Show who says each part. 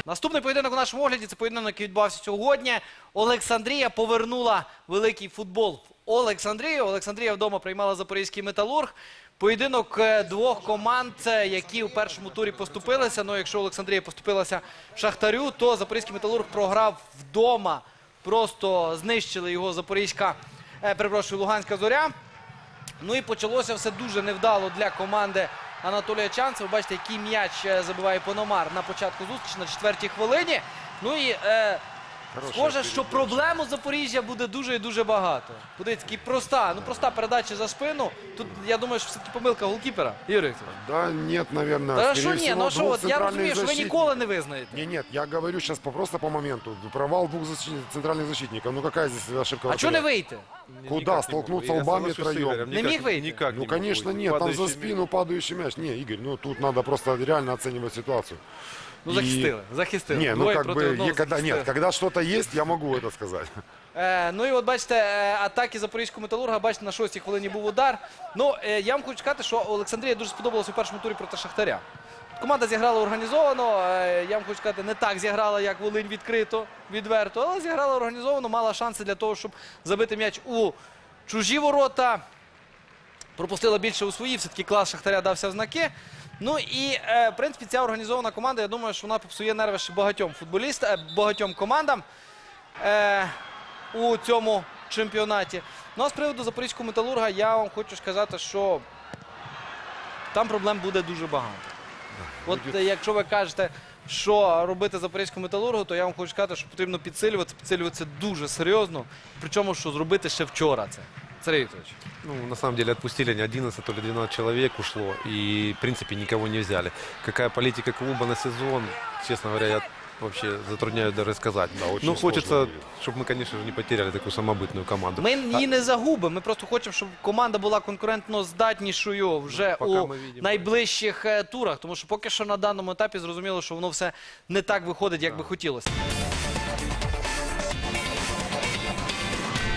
Speaker 1: Наступний поєдинок у нашому огляді – це поєдинок, який відбувався сьогодні. Олександрія повернула великий футбол в Олександрію. Олександрія вдома приймала Запорізький Металург. Поєдинок двох команд, які у першому турі поступилися. Ну, якщо Олександрія поступилася Шахтарю, то Запорізький Металург програв вдома. Просто знищили його Луганська Зоря. Ну і почалося все дуже невдало для команди Анатолія Чанцева. Ви бачите, який м'яч забиває Пономар на початку зустрічі, на 4-й хвилині. Ну і схоже, що проблем у Запоріжжя буде дуже і дуже багато. Подивіться, проста передача за спину. Тут, я думаю, що все-таки помилка голкіпера. Ігор Вікторович.
Speaker 2: Да, нет, наверное.
Speaker 1: Та що ні, ну що, от я розумію, що ви ніколи не визнаєте.
Speaker 2: Нет, я говорю сейчас просто по моменту. Провал двух центральных защитников. Ну какая здесь ошибка?
Speaker 1: А чого не вийти?
Speaker 2: Куда? Столкнуться лбами втроем?
Speaker 1: Не міг вийти?
Speaker 2: Ну, конечно, нет. Там за спину падающий мяч. Не, Игорь, ну тут надо просто реально оценивать ситуацию.
Speaker 1: Ну, захистили.
Speaker 2: Не, ну как бы, когда что-то есть, я могу это сказать.
Speaker 1: Ну і от бачите, атаки Запорізького Металурга, бачите, на 6-й хвилині був удар. Ну, я вам хочу сказати, що Олександрія дуже сподобалася у першому турі проти Шахтаря. Команда зіграла організовано, я вам хочу сказати, не так зіграла, як Волинь відкрито, відверто, але зіграла організовано, мала шанси для того, щоб забити м'яч у чужі ворота. Пропустила більше у свої, все-таки клас Шахтаря дався в знаки. Ну і, в принципі, ця організована команда, я думаю, що вона попсує нерви ще багатьом командам у цьому чемпіонаті. Ну а з приводу Запорізького Металурга я вам хочу сказати, що там проблем буде дуже багато. От якщо ви кажете, що робити Запорізькому Металургу, то я вам хочу сказати, що потрібно підсилюватися дуже серйозно, причому, що зробити ще вчора це. Сергей Викторович.
Speaker 3: Ну, на самом деле отпустили не 11, то ли 12 человек ушло. И, в принципе, никого не взяли. Какая политика клуба на сезон, честно говоря, я вообще затрудняюсь даже сказать. Да, ну, хочется, чтобы мы, конечно же, не потеряли такую самобытную команду.
Speaker 1: Ми її не загубимо. Ми просто хочемо, щоб команда була конкурентно здатнішою вже у найближчих турах. Тому що поки що на даному етапі зрозуміло, що воно все не так виходить, як би хотілося.